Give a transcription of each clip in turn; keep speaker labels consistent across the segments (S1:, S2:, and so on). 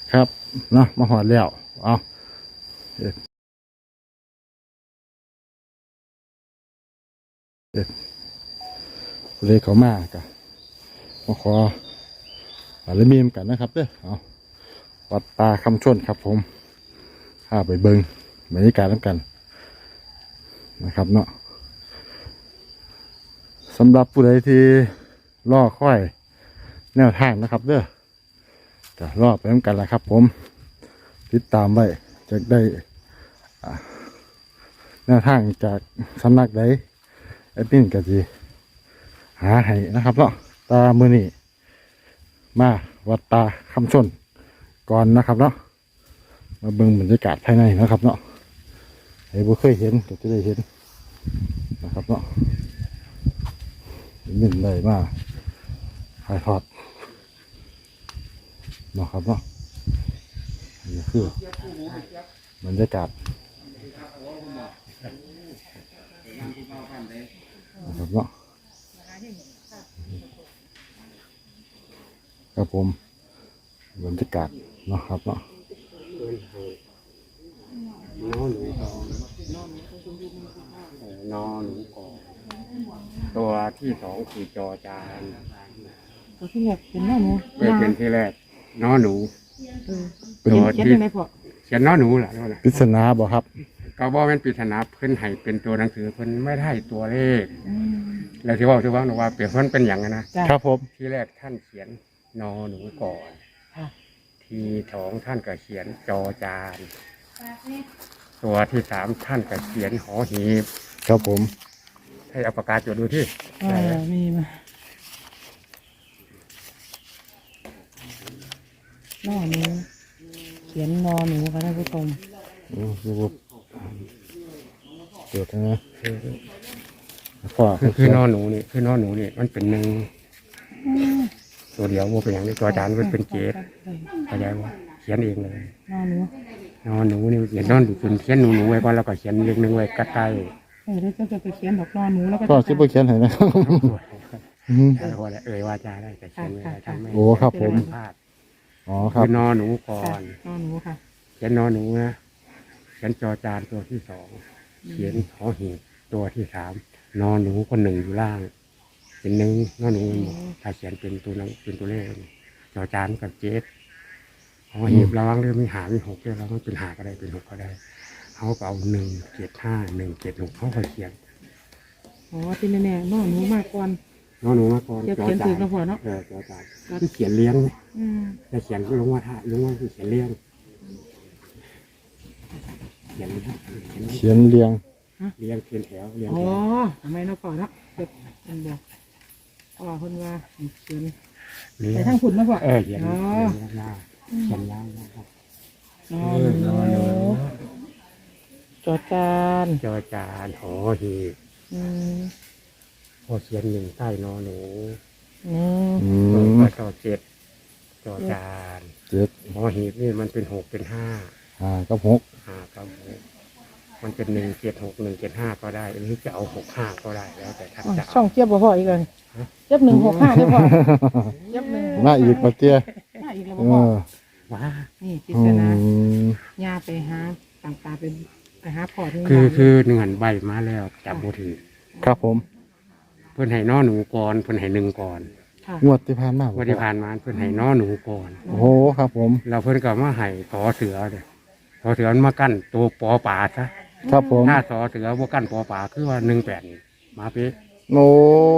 S1: ครับเนาะมาหอดแล้วเอาเด็ดเลยเขามากะมาขออะไรมีมกันนะครับเด้อเอาวัดตาคำชนครับผมข้าไปเบิงบรรยากาศน้ำกันนะครับเนาะสำหรับผู้ใดที่ล่อค่อยแนวทางนะครับเด้อจะล่อไปน้ำกันแหละครับผมติดตามไว้จะได้แนวทางจากสำนักใดไอ้ปิ้นก็จะหาให้นะครับเนาะตามือนี่มาวัดตาคำชนก่อนนะครับเนาะมาเบิ่งบรรยากาศภายในนะครับเนาะให้บุเคยเห็นก็จะได้เห็นนะครับเนาะนิ่มเลยมาถ่ายทอดเนาะครับเนาะนี่คือบรรยากาศนะครับเนาะครับผมบรรยากาศเนาะครับเนาะ
S2: นอหนูกอนนอหนูกอนตัวที่สองคือจอจาน
S3: ตัวที่แรกเป็นหน้าหนู
S2: เป็นที่แรกนอหนู
S3: เป็นเขียนยังไงพ่อ
S2: เขียนนอหนูแหละนั่นแหละ
S1: ปริศนาบ่ครับ
S2: ก็บอกเป็นปริศนาเพิ่นให้เป็นตัวหนังสือเพิ่นไม่ได้ตัวเลขแล้วที่ว่าว่าเปรียบเพิ่นเป็นอย่างนะ
S3: จ้ะ
S1: ครับผม
S2: ที่แรกท่านเขียนนอหนูก่อน
S3: ค่ะ
S2: ทีสองท่านก็เขียนจอจานตัวที่สามท่านก็เขียนหอหีบ
S1: ครับผม
S2: ให้เอาปากกาจดดูที่
S3: มีมาหน้าหนูเขียนนอหนูค่ะท่านผู้ชม
S1: ดูเกิดนะพ่อ
S2: คือนอหนูนี่คือนอหนูนี่มันเป็นหนึ่งตัวเดียวโมเป็นอย่างนี้ตัวจานมันเป็นเกศเข้าใจว่าเขียนเองเลย
S3: หน้าหนู
S2: นอหนูนี่เขียนนอนเป็นเขียนหนูไว้ก่อนแล้วก็เขียนเลขหนึ่งไว้ใกล้
S3: แล้วก็จะไปเขียนดอกนอหนูแล้วก็
S1: พ่อซิบเขียนให้นะครับ อืม
S2: ๆแล้วก็ว่าจาได้แต่เขียนไม่ได้ทำไม่
S1: โอ้ครับผม
S2: พลาด
S1: อ๋อครับ
S2: คือนอหนูก่อ
S3: ค่ะ
S2: น
S3: นอหนูค่ะ
S2: เขียนนอหนูนะเขียนจอจานตัวที่สองเขียนหอหีบตัวที่สามนอหนูคนหนึ่งอยู่ล่างเป็นหนึ่งนอหนูถ้าเขียนเป็นตัวนั้นเป็นตัวเลขจอจานกับเจ็ดหอหีบระวังเรื่องมีหามีหกเรื่องระวังเป็นหาก็ได้เป็นหกก็ได้เขาก็เอา175 176เขาก็เขียน
S3: อ๋อที่แน่ๆนอหนูมากก่อน
S2: นอหนูมาก่อน
S3: เขียนถูกนะพ่อเนาะ
S2: จอจานที่เขียนเลี้ยง
S3: อืม
S2: แต่เขียนลงว่าท่าลงว่าเขียนเลี้ยงเขียน
S1: เขียนเรียง
S2: เลี้ยงเขียนแถวเลี้ยง
S3: อ๋อ
S2: แถว
S3: ทำไมเนาะพ่อเนาะเกิดอันเดียวพ่อคนว่าเขียน
S2: เลี้ย
S3: ไป
S2: ง
S3: ทางคุณนะพ่อ
S2: เขียน
S3: อ๋อ
S2: ยาวเขียนยาวนะครับ
S3: นอหนูจอจาน
S2: จอจานหอหีบ
S3: อืม
S2: พอเขียนหนึ่งใต้นอหนู
S3: อืม
S1: อืม
S2: ก็จอเจ็ดจอจาน
S1: เจ็ด
S2: หอหีบนี่มันเป็น6เป็น5
S1: กับหก
S2: ครับมันเป็น176 175ก็ได้หรือจะเอา65ก็ได้แล้วแต่ท่านจะ
S3: ช่องเจี๊ยบบ่พ่ออีกเลยเจี๊ยบ165เด้อพ่อเจี๊ยบ1
S1: มาอีกปะเตี้ย
S3: มาอีกแล้ว
S1: เอ
S3: บ่พ่อ
S1: อ
S2: ว้า
S3: นี่ปริ
S1: อื
S3: ศนาม ย่าไปหาต่างตาไปหาพ่อที่
S2: คือหนึ่งหันใบมาแล้วจับโบถือ
S1: ครับผม
S2: เพื่อนให้นอหนูก่อนเพื่อนให้หนึ่งก่อน
S3: ค่ะ
S1: งวดที่ผ่านมา
S2: วันที่ผ่านมาเพื่อนให้นอหนูก่อน
S1: โอ้โหครับผม
S2: เราเพื่อนก็มาให้สอเสือเลยสอเสือมันมากั้นตัวปอป่าซะ
S1: ครับผม
S2: ถ้าสอเสือว่ากั้นปอป่าคือว่า18มาเป๊ะ
S1: โอ้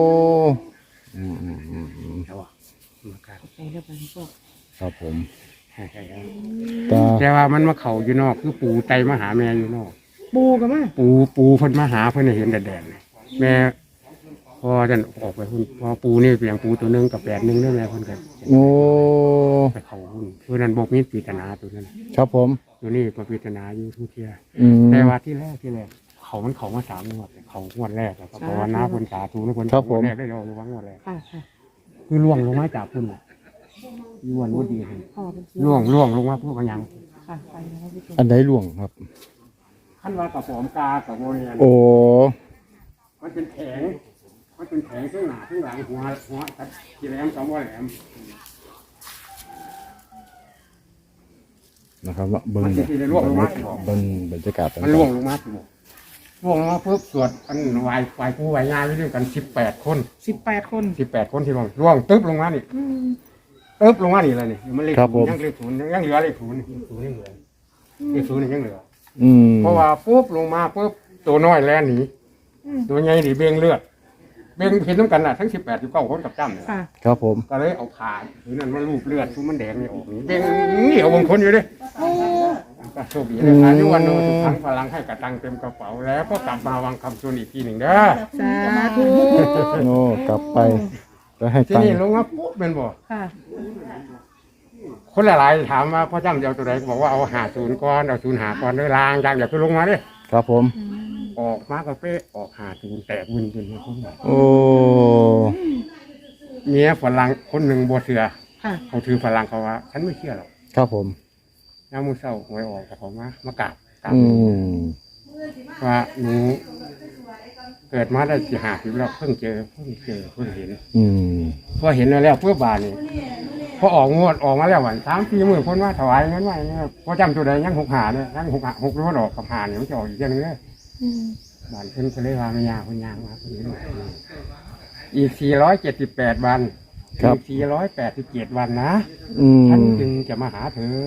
S2: ใช่ป่ะมากั้น
S3: ไปแล้วไปพ่อ
S1: ครับผมตา
S2: แต่ว่ามันมาเข่าอยู่นอกคือปูไตมาหาแม่อยู่นอก
S3: ปูกันมา
S2: ปูเพิ่นมาหาเพิ่นให้เห็นแดดๆเลยแม่พอจะออกไปหุ่นพอปูนี่เปลี่ยนปูตัวหนึงกับ8 นึงได้แม่เพิ่นก็
S1: โอ้
S2: ไปเข่าหุ่นเพื่อนั้นบอกมีปริศนาตัวนั้น
S1: ครับผม
S2: ตัวนี้ปริศนาอยู่ทุกเที่ย
S1: อืม
S2: แต่ว่าที่แรกเขามา3 งวดเขางวดแรกแล้วก็เพราะว่าน้าเพิ่นสาธุนะเพิ่นงวดแรกได้เราระวังงวดแรก
S3: ค่ะค่ะ
S2: คือล่วงลงมาจากพุ่นน่ะล่วงบ่ดีเลย
S3: พ่อเป็นเสือ
S2: ล่วงลงมาพวกมันยัง
S3: ค่ะไปนะครับพี่ชม
S1: อันไหนหลวงครับ
S2: คันว่ากับปอมกากับโมเนียน
S1: โอ้
S2: มันเป็นแข็งข้างหน้าข้างหลังหัวตัดกี่แหลม2 หัวแหลม
S1: นะครับเนาะเบิ่ง
S2: มัน
S1: แบบ
S2: สิได้ล่วงลงมาสิบอก
S1: เบิ่งบรรยากาศ
S2: มันล่วงลงมาสิบอกล่วงลงมาปุ๊บสวดอันไหวผู้ไหวงานไปด้วยกัน18 คน
S3: 18 คน
S2: 18 คนที่ล่วงตึ๊บลงมานี่ตึ๊บลงมานี่เลยนี่มันเลขศูนย์ยังเลขศูนย์ยังเหลือเลขศูนย์ยังเหลือเลขศูนย์ยังเหลือ
S1: อืม
S2: เพราะว่าปุ๊บลงมาปุ๊บตัวน้อยแล่นหนีตัวใหญ่หนีเบ่งเลือดเบ่งเห็นน้ำกันน่ะทั้ง18 19 คนกับจ้ำเนี่ย
S3: ค่ะ
S1: ครับผม
S2: ก็เลยเอาผ่านหรือนั่นมันรูปเลือดทุกมันแดงนี่ออกนี่เบ่งนี่เอาบางคนอยู่ดิก็โชคดีเลยอายุวันโนทุกครั้งพลังให้กระตังเต็มกระเป๋าแล้วก็กลับมาวางคำชวนอีกทีหนึ่งเด้อ
S3: สาธุ
S1: โอ้กลับไปแล้วให้
S2: ที่
S1: ตัง
S2: นี่
S1: ค์
S2: ลงมาปุ๊บเป็นบ่
S3: ค่ะ
S2: คนหลายๆถามว่าพ่อจ้ำจะเอาตัวไหนบอกว่าเอา50ก่อนเอา05ก่อนเลยลางอย่างเดี๋ยวคือลงมาดิ
S1: ครับผม
S2: ออกมากาเป๊ะออก50แตกวินจนมาคน
S1: โอ้
S2: เมียฝรั่งคนหนึ่งบัวเสือ
S3: ค่ะ
S2: เขาถือฝรั่งเขาว่าฉันไม่เชื่อหรอก
S1: ครับผม
S2: น้ามือเศร้าหวยออกกับเขามากราบ
S1: อืม
S2: ว่าหนูเกิดมาได้50แล้วเพิ่งเจอเพิ่งเห็น
S1: อืม
S2: พอเห็นแล้วเพื่อบานนี่พอออกงวดออกมาแล้ววัน3-4 มื้อคนว่าถวายเงินไว้เนี่ยพอจำตัวใดยัง65เนี่ยยัง6รู้ว่าออกกับ5เนี่ยมันจะออกอีกอย่างนึงเลยบานเพิ่นก็เลยว่าไม่ยากคนยางมาคนนี้อีก478 วันอีก487 วันนะ
S1: อืม
S2: ฉันจึงจะมาหาเธอ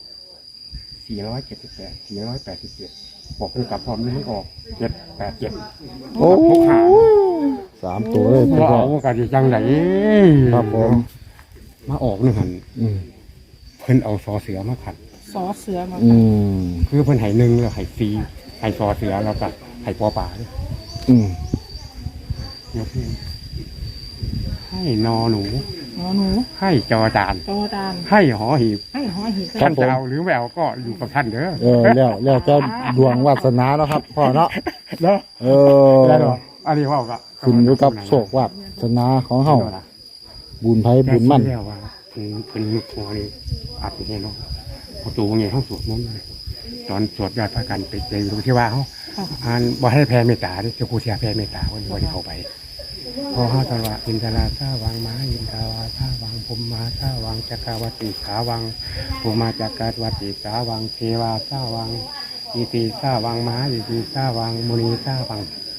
S2: 478 487บอกเธอกลับพร้อมนี้มันออก787
S1: โอ้
S2: 65
S1: 3 ตัวเลย
S2: พ
S1: พี่
S2: อ
S1: พ่อ
S2: ออกกันจังไหน
S1: ครับผม
S2: มาออกนี่หัน
S1: อืม
S2: เพิ่นเอาซอเสือมาขัด
S3: สอเสือมา
S1: อืม
S2: คือเพิ่นให้หนึ่งแล้วให้ฟรีให้ซอเสือแล้วก็ให้ปอป่าด้วย
S1: อืม
S2: ยกนี้ให้นอหนู
S3: หมอหนู
S2: ให้จอจาน
S3: จอดาน
S2: ให้หอหีบ
S3: ให้หอหีบ
S2: ท่านจะเอาหรือไม่เอาก็อยู่กับท่านเด้อ
S1: แล้วเจ้าดวงวาสนาเนาะครับพ่อเนาะ
S2: แล้ว
S1: เออ
S2: แล้วเนาะอันนี้ว่าก็
S1: ขึ้นอยู่กับโชควาสนาของเฮาบุญไผบุญมั่น
S2: แต่ที่แล้วว่าเพิ่นหอนี่อาจจะเนาะประตูไงห้องสวดมนต์เลยตอนสวดยอดพระกันไปเจอตรงที่ว่าเขา
S3: ค่ะ
S2: อ่านบ่ให้แผ่เมตตาดิเจ้าครูเสียแผ่เมตตาวันที่เข้าไปพอเขาตลอดอินทราท่าวังมาอินทาวาท่าวังภูมิมาท่าวังจักรวัติขาวังภูมิมาจักรวัติขาวังเทวาท่าวังอิติท่าวังมาอิติท่าวังมุนีท่าวัง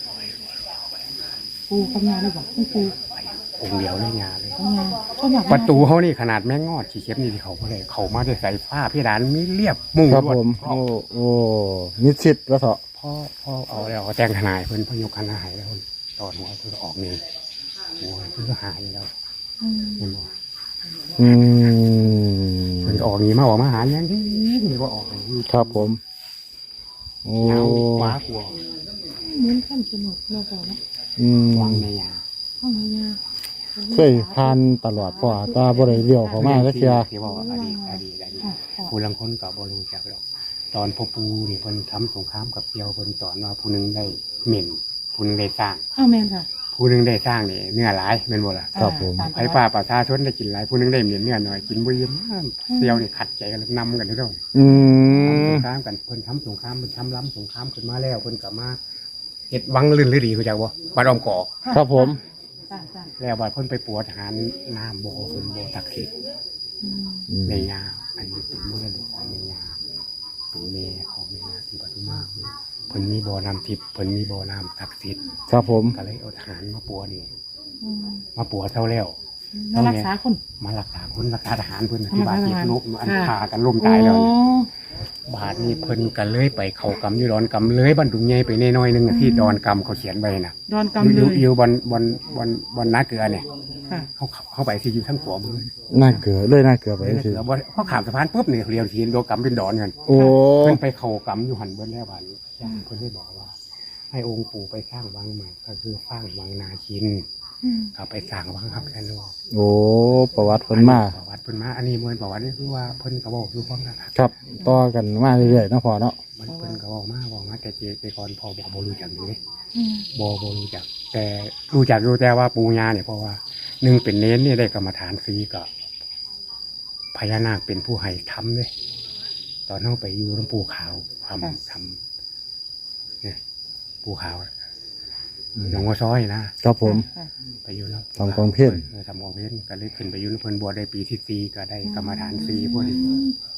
S3: ปูกำยาเลยบอกปู
S2: องค์เดียวเลยงานเลย
S3: กำยาต้นหนัก
S2: ประตูเขานี่ขนาดแม่งอดขี้เข็บนี่ที่เขาบ่ได้เขามาได้ใส่ผ้าเพดานมีเรียบมุ้ง
S1: ครับ
S2: ลวด
S1: ผมโอ้โอ้นิชิตแล้วเถอะ
S2: พ่อเอาแล้วเขาแต่งทนายเพิ่นพยกคณะหายแล้วตอนหัวเพิ่นก็ออกนี่หัวเพิ่นก็หายแล้วเห็นบ่
S1: อืม
S2: เพิ่นก็ออกนี่มาออกมาหาอย่างที่นี่ก็ออกนี่
S1: ครับผมโอ้
S2: ยาวหวากลัว
S3: เหมือนขั้นสนุกเนาะก่อนนะ
S1: อืม
S2: วังในยา
S3: ห้องยา
S1: เคยผ่านตลอดพ่อตาบ่ได้เลี้ยวเข้ามาจักเที่ย
S2: ที่ว่าอดีตผู้ลังคนก็บ่รู้จักหรอกตอนพ่อปู่นี่เพิ่นทำสงครามกับเที่ยวเพิ่นสอนว่าผู้หนึงได้เหม็นผู้หนึงได้สร้าง
S3: อ้าวแม่นค่ะ
S2: ผู้หนึงได้สร้างนี่เนื้อหลายแม่นบ่ล่ะ
S1: ครับผม
S2: ไอ้ป้าประชาชนได้กินหลายผู้หนึงได้เหม็นเนื้อหน่อยกินบ่เย็นเที่ยวนี่ขัดใจกันนำกันเด้อ
S1: อืม
S2: สงครามกันเพิ่นทำสงครามเพิ่นทำล้ำสงครามขึ้นมาแล้วเพิ่นก็มาเฮ็ดวังลื่นฤดีเข้าใจบ่บ้านอ้อมกอก
S1: ครับผม
S3: จ้าจ้า
S2: แล้วบัดเพิ่นไปปวดหารน้ำบ่เพิ่นบ่ศักดิ์สิทธิ์
S3: อืม
S1: อืม
S2: ในยาอันนี้เป็นมรดกของในยาเป็นแม่ของในยาที่ปทุมมาเพิ่นมีบ่อน้ำทิพย์เพิ่นมีบ่อน้ำศักดิ์สิทธิ์
S1: ครับผม
S2: ก็เลยเอาทหารมาปัวนี่
S3: อืม
S2: มาปัวเท่าแล้ว
S3: มารักษาคน
S2: มารักษาคนรักษาทหารเพิ่นที่บาดเจ็บ
S3: รักษาทหาร
S2: ลุกอัน
S3: ค่ะ
S2: ฆ่ากันล้มตายแล้วนี่บาดนี้เพิ่นก็เลยไปเข้ากรรมอยู่ดอนกรรมเลยบรรดุงใหญ่ไปแน่น้อยหนึงอะที่ดอนกรรมเขาเขียนไว้น่ะ
S3: ดอนกำเลย
S2: อยู่บนนาเกลือเนี่ย
S3: ค่ะ
S2: เขาไปที่อยู่ทั้งขวามือ
S1: น่าเกลือเลยน่าเกลือไป
S2: นา
S1: สิ
S2: เกลือบ่เขาขามสะพานปุ๊บเนี่ยเรียวทีโดนกรรมเป็นดอนกัน
S1: โอ้
S2: เพิ่นไปเข้ากรรมอยู่หันเบิ้แล้วบาดนี้ย่างเพิ่นได้บอกว่า ให้องค์ปู่ไปสร้างวังใหม่ก็คือสร้างวังนาคิน
S3: อืม
S2: เขาไปสร้างวังครับแค่นั้น
S1: โอ้ประวัติเพิ่นมา
S2: ประวัติเพิ่นมาอันนี้มวยประวัตินี่คือว่าเพิ่นก็บอกอยู่ความนะครับ
S1: ครับต่อกันมาเรื่อยๆเนาะพ่อเนาะ
S2: มันเพิ่นก็บอกมาแต่แต่ก่อนพ่อบอกบ่รู้จักอยู่เลย
S3: อืม
S2: บ่รู้จัก แต่รู้จักอยู่แต่ว่าปู่ย่าเนี่ยเพราะว่าหนึ่งเป็นเน้นนี่ได้กรรมฐานฟรีก็พญานาคเป็นผู้ให้ทำเลยตอนเราไปอยู่น้ำปูขาวทำเนี่ยปูขาวหลวงพ่อซ้อยนะครับ
S1: ผม
S3: ค่ะ
S2: ไปอยู่แล้ว
S1: ทำกองเพี้ยน
S2: ทำกองเพี้ยนก็เลยขึ้นไปอยู่ในเพิ่นบัวได้ปีที่4ก็ได้กรรมฐานฟรีพวกนี้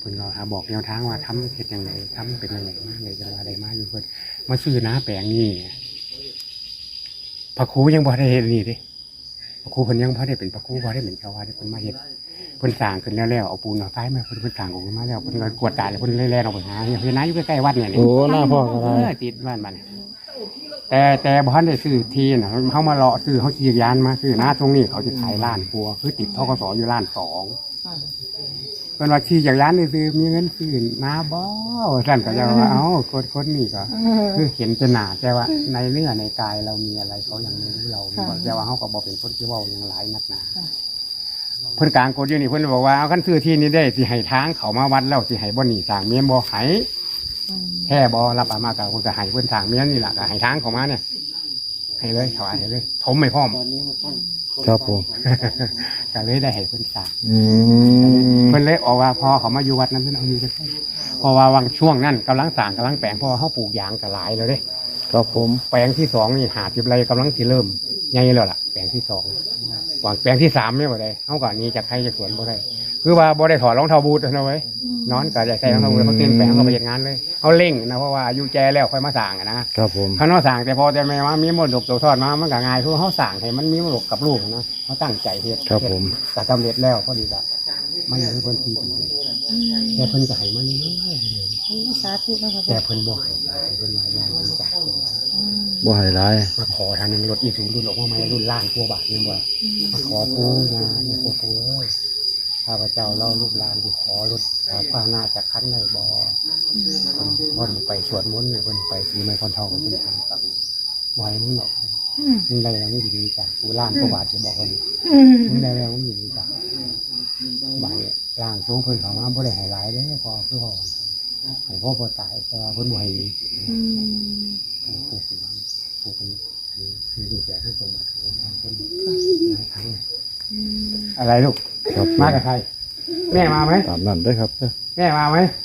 S2: พิ่นก็หาบอกแนวทางว่าทำเฮ็ดยังไงทำเป็นยังไงมาเลยจังว่าได้มาอยู่เพิ่นมาซื้อน้าแปลงนี่พระครูยังบ่ได้เฮ็ดนี่เด้พระครูเพิ่นยังบ่ได้เป็นพระครูบ่ได้เป็นเจ้าอาวาสเพิ่นมาเฮ็ดเพิ่นสร้างขึ้นแล้วเอาปูนเอาไฟมาเพิ่นสร้างออกมาแล้วเพิ่นก็กวดตาแล้วเพิ่นแล่ๆออกไปหาเฮ็ดนาอยู่ใกล้ๆวัดเนี่ย
S1: โอ้หน้าพ่อก็ได้
S2: ติดบ้านมันแต่บ่ทันได้ซื้อที่น่ะเฮามาเลาะซื้อเฮาขี่ยานมาซื้อนาตรงนี้เขาสิขายล้านกว่าคือติดธกสอยู่ล้านสอง
S3: ค่ะ
S2: เพิ่นว่าขี่จักรยานนี่ซื้อมีเงินซื้อนาบ่ซั่นก็จะว่าเอ้าคนนี้ก็คือเห็นเป็นหน้าแต่ว่าในเนื้อในกายเรามีอะไรเขายังไม่รู้เราแต่ว่าเฮาก็บ่เป็นคนที่เว้าหยังหลายนักหนาเพิ่นกลางกฎอยู่นี่เพิ่นบอกว่าเอาคันซื้อที่นี้ได้สิให้ทางเขามาวัดแล้วสิให้บ่หนีสร้างเมียนบ่ให้แท้บ่รับเอามาก็เพิ่นก็ให้เพิ่นสร้างเมียนนี่ล่ะก็ให้ทางเขามาเนี่ยให้เลยเขาให้เลยถมไม่พร้อม
S1: ครับผม
S2: ก็เลยได้ให้เพิ่นสร้าง
S1: อืม
S2: เพิ่นเลยออกว่าพอเขามาอยู่วัดนั้นเพิ่นเอาอยู่จังได๋เพราะว่าวังช่วงนั้นกำลังสร้างกำลังแปลงเพราะว่าเฮาปลูกยางก็หลายแล้วเด้
S1: ครับผม
S2: แปลงที่2นี่50ไร่กำลังสิเริ่มใหญ่แล้วล่ะแปลงที่2วางแปลงที่3เนี่ยบ่ได้เฮาก็หนีจากใครจากสวนบ่ได้คือว่าบ่ได้ถอดรองเท้าบูทนะเว้ยนอนก็ได้ใส่รองเท้าบูทแล้วก็เต็มแปลงก็ไปเฮ็ดงานเลยเฮาเร่งนะเพราะว่าอายุแก่แล้วค่อยมาสร้างอะนะครับ
S1: ผม
S2: คันว่าสร้างแต่พอแต่แม่ว่ามีมรดกตกทอดมามันก็ง่ายคือเฮาสร้างให้มันมีมรดกกับลูกนะเฮาตั้งใจเฮ็ด
S1: ครับผม
S2: ก็สำเร็จแล้วพอดีก็มันอยู่เพิ่น4 ปีแต่เพิ่นก็ให้มาเรื่อยๆ
S3: โอ้สาธุนะคะ
S2: แต่เพิ่นบ่ให้เพิ่นว่าย่างมันจัก
S1: บ่ให้ร้าย
S2: มาขอทางนึงรถอีซูรุ่นออกมาใหม่รุ่นล้านกว่าบาทนึงว่ามาขอปู่นะเนี่ยปู่เอ้ยข้าพเจ้าเล่าลูกหลานที่ขอรถข้าวหน้าจากคันได้บ่เพิ่นไปสวดมนต์เนี่ยเพิ่นไปสีไม้คอนทองเพิ่นทางตังไว้นี่เนาะนี่ได้แล้วนี่ดีจ้ะปู่ล้านกว่าบาทสิบอกเพิ่นนี่ได้แล้วนี่ดีจ้ะบาดนี้ร่างทรงเพิ่นเข้ามาบ่ได้ให้หลายเด้อพอคือพ่อให้พ่อบ่ตายแต่ว่าเพิ่นบ่ให้ ผู้สิวังผู้เป็นคือดูแลให้สมบัติของเราเป็นหลายครั้งอะไรลูก
S1: ครับ
S2: มากับใครแม่มาไหม
S1: ตามนั้นเด้อครับ
S2: แม่มาไหม